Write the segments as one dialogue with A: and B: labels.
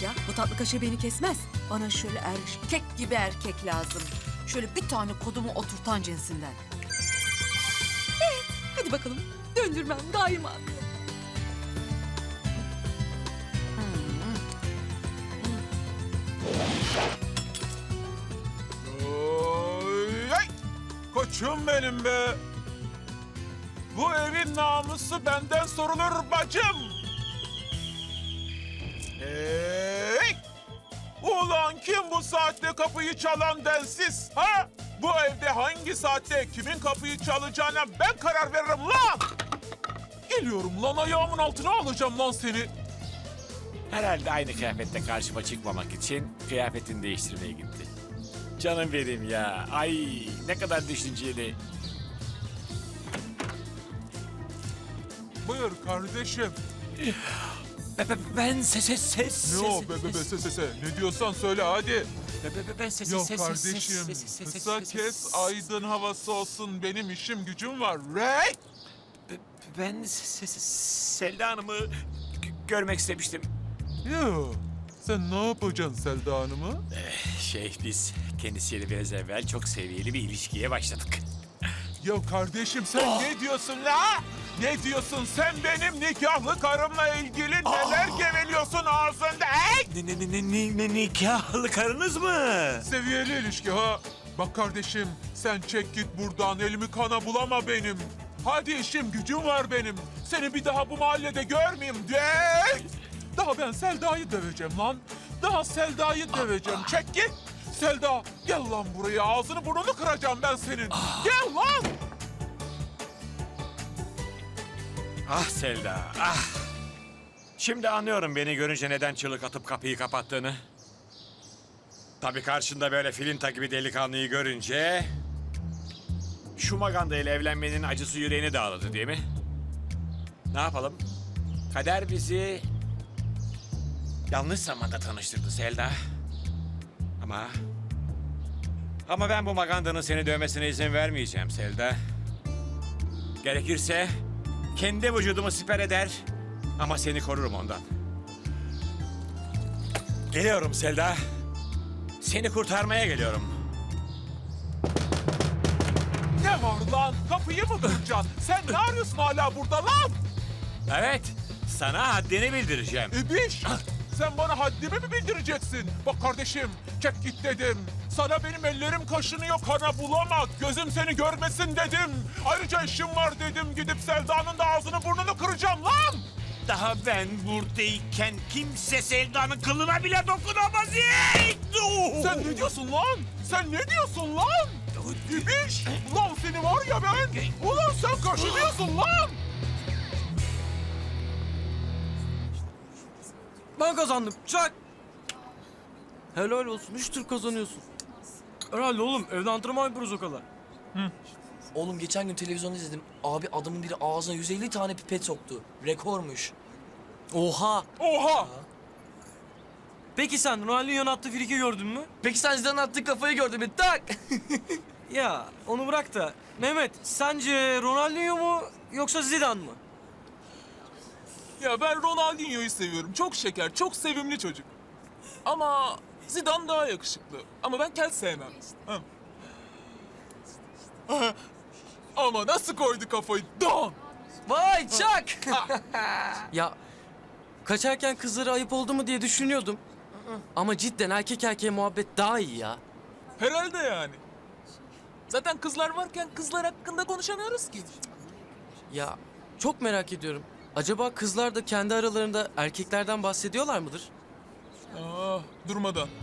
A: ya. Bu tatlı kaşığı beni kesmez. Bana şöyle erkek gibi erkek lazım. Şöyle bir tane kodumu oturtan cinsinden. Evet, hadi bakalım. Döndürmem daima.
B: Oy, ay! Koçum benim be. Bu evin namusu benden sorulur bacım. Hey! Ulan kim bu saatte kapıyı çalan densiz? Ha? Bu evde hangi saatte kimin kapıyı çalacağına ben karar veririm lan! Geliyorum lan, ayağımın altına alacağım lan seni.
C: Herhalde aynı kıyafette karşıma çıkmamak için kıyafetini değiştirmeye gitti. Canım benim ya. Ay ne kadar düşünceli.
B: Buyur kardeşim.
C: Ben ses.
B: Ne o be se. Ne diyorsan söyle hadi.
C: Ben ses.
B: Yok kardeşim, kısa kes, aydın havası olsun. Benim işim gücüm var. Rey!
C: Ben Selda Hanım'ı görmek istemiştim.
B: Yo, sen ne yapacaksın Selda Hanım'ı?
C: Biz kendisiyle biraz evvel çok seviyeli bir ilişkiye başladık.
B: Ya kardeşim sen ne diyorsun la? Ne diyorsun sen benim nikahlı karımla ilgili neler geveliyorsun ağzında? Hey!
C: Ne nikahlı karınız mı?
B: Seviyeli ilişki ha. Bak kardeşim sen çek git buradan, elimi kana bulama benim. Hadi işim gücüm var benim. Seni bir daha bu mahallede görmeyeyim. Hey! Daha ben Selda'yı döveceğim lan. Daha Selda'yı döveceğim. Çek git. Selda gel lan buraya, ağzını burnunu kıracağım ben senin. Gel lan.
C: Ah Selda, ah! Şimdi anlıyorum beni görünce neden çığlık atıp kapıyı kapattığını. Tabii karşında böyle filinta gibi delikanlıyı görünce... ...şu maganda ile evlenmenin acısı yüreğini dağladı değil mi? Ne yapalım? Kader bizi... ...yanlış zamanda tanıştırdı Selda. Ama ben bu magandanın seni dövmesine izin vermeyeceğim Selda. Gerekirse... ...kendi vücudumu siper eder... ...ama seni korurum ondan. Geliyorum Selda. Seni kurtarmaya geliyorum.
B: Ne var lan? Kapıyı mı kıracaksın? Sen ne arıyorsun hala burada lan?
C: Evet, sana haddini bildireceğim.
B: İbiş! Sen bana haddimi mi bildireceksin? Bak kardeşim, çek git dedim. Sana benim ellerim kaşınıyor, kana bulamak. Gözüm seni görmesin dedim. Ayrıca işim var dedim. Gidip Selda'nın da ağzını burnunu kıracağım lan!
C: Daha ben buradayken kimse Selda'nın kılına bile dokunamaz.
B: Sen ne diyorsun lan? Sen ne diyorsun lan? İbiş! Ulan seni var ya ben! Ulan sen kaşınıyorsun lan!
D: Ben kazandım. Çak. Helal olsun. 3 tur kazanıyorsun. Herhalde oğlum. Evde antrenman yapıyoruz o kadar.
E: Oğlum geçen gün televizyonda izledim. Abi adamın biri ağzına 150 tane pipet soktu. Rekormuş.
D: Oha.
B: Oha!
D: Peki sen Ronaldinho'nun attığı friki gördün mü?
E: Peki sen Zidane'ın attığı kafayı gördün mü? Tak!
D: Ya onu bırak da. Mehmet sence Ronaldinho mu yoksa Zidane mı?
F: Ya ben Ronaldinho'yu seviyorum. Çok şeker, çok sevimli çocuk. Ama Zidane daha yakışıklı. Ama ben kel sevmem. Ha. Ama nasıl koydu kafayı? Don!
E: Vay çak!
D: Ya kaçarken kızlara ayıp oldu mu diye düşünüyordum. Ama cidden erkek erkeğe muhabbet daha iyi ya.
F: Herhalde yani. Zaten kızlar varken kızlar hakkında konuşamıyoruz ki.
D: Ya çok merak ediyorum. Acaba kızlar da kendi aralarında erkeklerden bahsediyorlar mıdır?
F: Durmadan.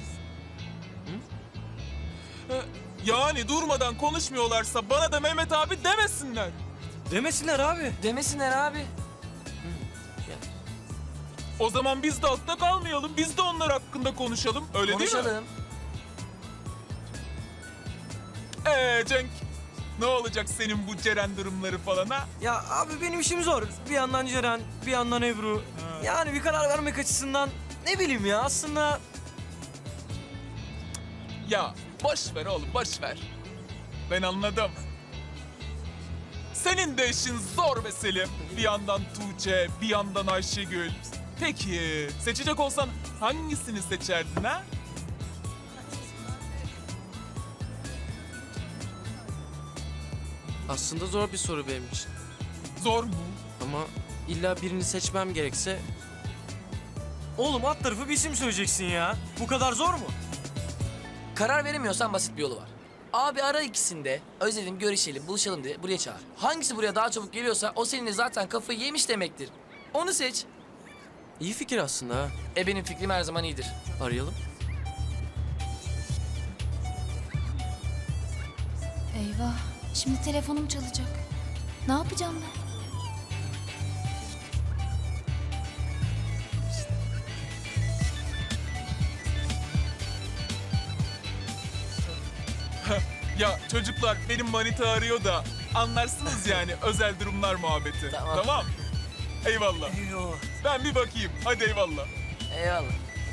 F: Yani durmadan konuşmuyorlarsa bana da Mehmet abi demesinler.
D: Demesinler abi.
E: Demesinler abi.
F: O zaman biz de altta kalmayalım. Biz de onlar hakkında konuşalım. Öyle değil mi?
E: Konuşalım.
F: Cenk. Ne olacak senin bu Ceren durumları falan ha?
D: Ya abi benim işim zor. Bir yandan Ceren, bir yandan Ebru. Yani bir karar vermek açısından ne bileyim ya aslında...
F: Ya boş ver oğlum, boş ver. Ben anladım. Senin de işin zor be Selim. Bir yandan Tuğçe, bir yandan Ayşegül. Peki seçecek olsan hangisini seçerdin ha?
D: Aslında zor bir soru benim için.
F: Zor mu?
D: Ama illa birini seçmem gerekse
G: Oğlum alt tarafı bir isim söyleyeceksin ya. Bu kadar zor mu?
E: Karar veremiyorsan basit bir yolu var. Abi ara ikisini de özledim, görüşelim, buluşalım diye buraya çağır. Hangisi buraya daha çabuk geliyorsa o seninle zaten kafayı yemiş demektir. Onu seç.
D: iyi fikir aslında ha.
E: Benim fikrim her zaman iyidir.
D: Arayalım.
H: Eyvah, şimdi telefonum çalacak. Ne yapacağım ben?
F: Ya çocuklar benim manita arıyor da anlarsınız yani özel durumlar muhabbeti.
E: Tamam.
F: Eyvallah. Ben bir bakayım. Hadi eyvallah.
E: Eyvallah.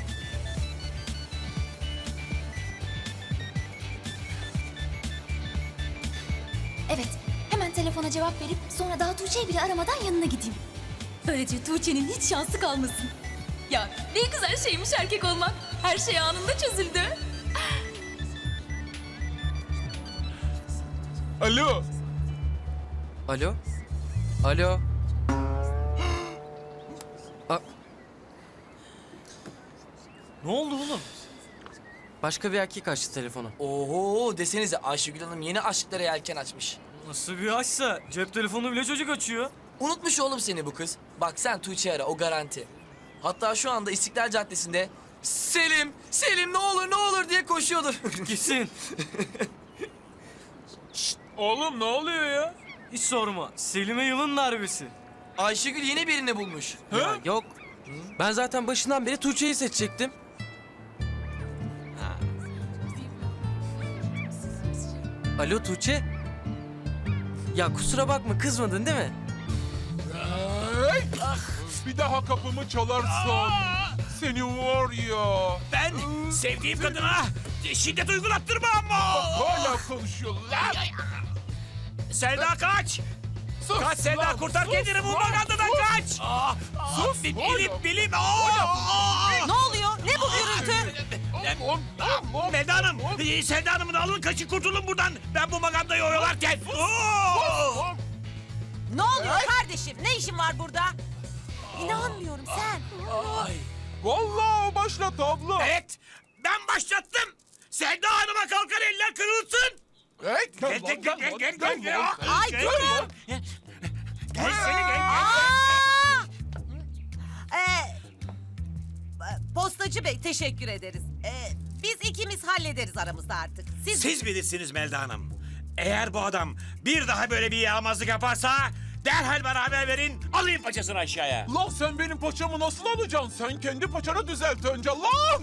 H: Evet, hemen telefona cevap verip sonra daha Tuğçe'yi bile aramadan yanına gideyim. Böylece Tuğçe'nin hiç şansı kalmasın. Ya ne güzel şeymiş erkek olmak. Her şey anında çözüldü.
F: Alo.
D: Alo? Alo?
G: Ne oldu oğlum?
D: Başka bir erkek açtı telefonu.
E: Oho desenize Ayşegül Hanım yeni aşklara yelken açmış.
G: Nasıl bir açsa cep telefonu bile çocuk açıyor.
E: Unutmuş oğlum seni bu kız. Bak sen Tuğçe'yi ara o garanti. Hatta şu anda İstiklal Caddesi'nde Selim, Selim ne olur ne olur diye koşuyordur.
G: Gitsin.
F: Oğlum ne oluyor ya?
G: Hiç sorma. Selim'e yılın darbesi.
E: Ayşegül yeni birini bulmuş.
D: Ya yok. Ben zaten başından beri Tuğçe'yi seçecektim. Alo Tuğçe? Ya kusura bakma kızmadın değil mi?
B: Hey! Bir daha kapımı çalarsan seni var ya.
C: Ben sevdiğim kadına şiddet uygulattırmam mı?
B: Hala konuşuyorlar.
C: Selda kaç!
B: Sus
C: Kaç Selda,
B: lan,
C: kurtar
B: sus
C: kendini bu
B: lan,
C: magandadan
B: sus.
C: kaç!
B: Sus,
C: Bilim!
A: Ne oluyor? Ne bu gürültü?
C: Melda Hanım, Selda Hanım'ı da alın kaçın kurtulun buradan. Ben bu magandayı oyalarken.
A: Ne oluyor kardeşim? Ne işin var burada? İnanmıyorum sen.
B: Vallahi o başlattı abla.
C: Evet, ben başlattım. Selda Hanım'a kalkan eller kırılsın.
B: Hey,
C: Gel.
A: Ay durun.
C: Gel seni gel.
I: Postacı Bey teşekkür ederiz. Biz ikimiz hallederiz aramızda artık.
C: Siz bilirsiniz Melda Hanım. Eğer bu adam bir daha böyle bir yağmazlık yaparsa derhal bana haber verin. Alayım paçasını aşağıya.
B: Lan sen benim paçamı nasıl alacaksın? Sen kendi paçanı düzelt önce lan.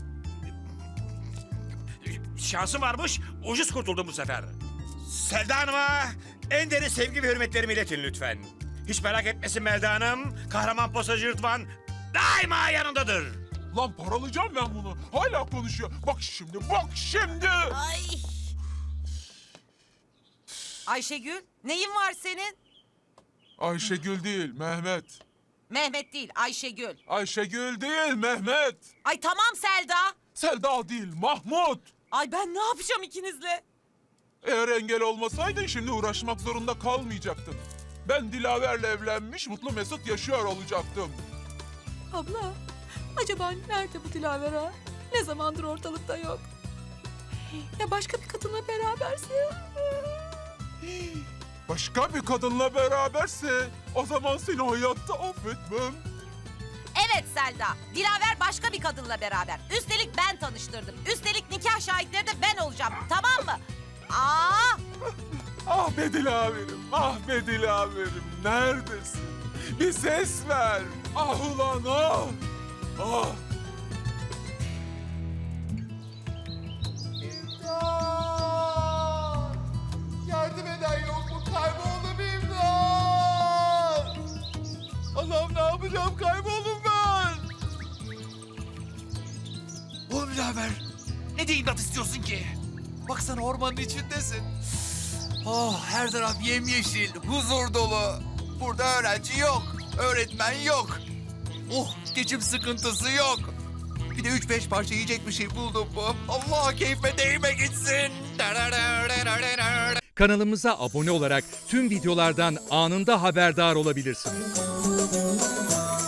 C: Şansım varmış, ucuz kurtuldum bu sefer. Selda Hanım'a en derin sevgi ve hürmetlerimi iletin lütfen. Hiç merak etmesin Melda Hanım. Kahraman postacı Rıdvan daima yanındadır.
B: Lan paralayacağım ben bunu. Hala konuşuyor. Bak şimdi.
I: Ay. Ayşegül, neyin var senin?
B: Ayşegül değil, Mehmet.
I: Mehmet değil, Ayşegül.
B: Ayşegül değil, Mehmet.
I: Ay tamam Selda.
B: Selda değil, Mahmut.
I: Ay ben ne yapacağım ikinizle?
B: Eğer engel olmasaydın şimdi uğraşmak zorunda kalmayacaktın. Ben Dilaver'le evlenmiş, mutlu mesut yaşıyor olacaktım.
A: Abla, acaba nerede bu Dilaver ha? Ne zamandır ortalıkta yok. Ya başka bir kadınla beraberse?
B: Başka bir kadınla beraberse o zaman seni hayatta affetmem.
I: Evet Selda, Dilaver başka bir kadınla beraber. Üstelik ben tanıştırdım. Üstelik nikah şahitleri de ben olacağım, tamam mı? Aa!
B: Ah be Dilaver'im, ah be Dilaver'im. Neredesin? Bir ses ver. Ah ulan ah. Ah.
J: Yardım eden yok mu? Kayboldum imdat! Allah'ım ne yapacağım? Kayboldum ben! Oğlum birader, ne de imdat istiyorsun ki? Baksana ormanın içindesin. Oh, her taraf yemyeşil, huzur dolu. Burada öğrenci yok, öğretmen yok. Oh, geçim sıkıntısı yok. Bir de 3-5 parça yiyecek bir şey buldum mu? Allah keyfe değme gitsin.
K: Kanalımıza abone olarak tüm videolardan anında haberdar olabilirsiniz.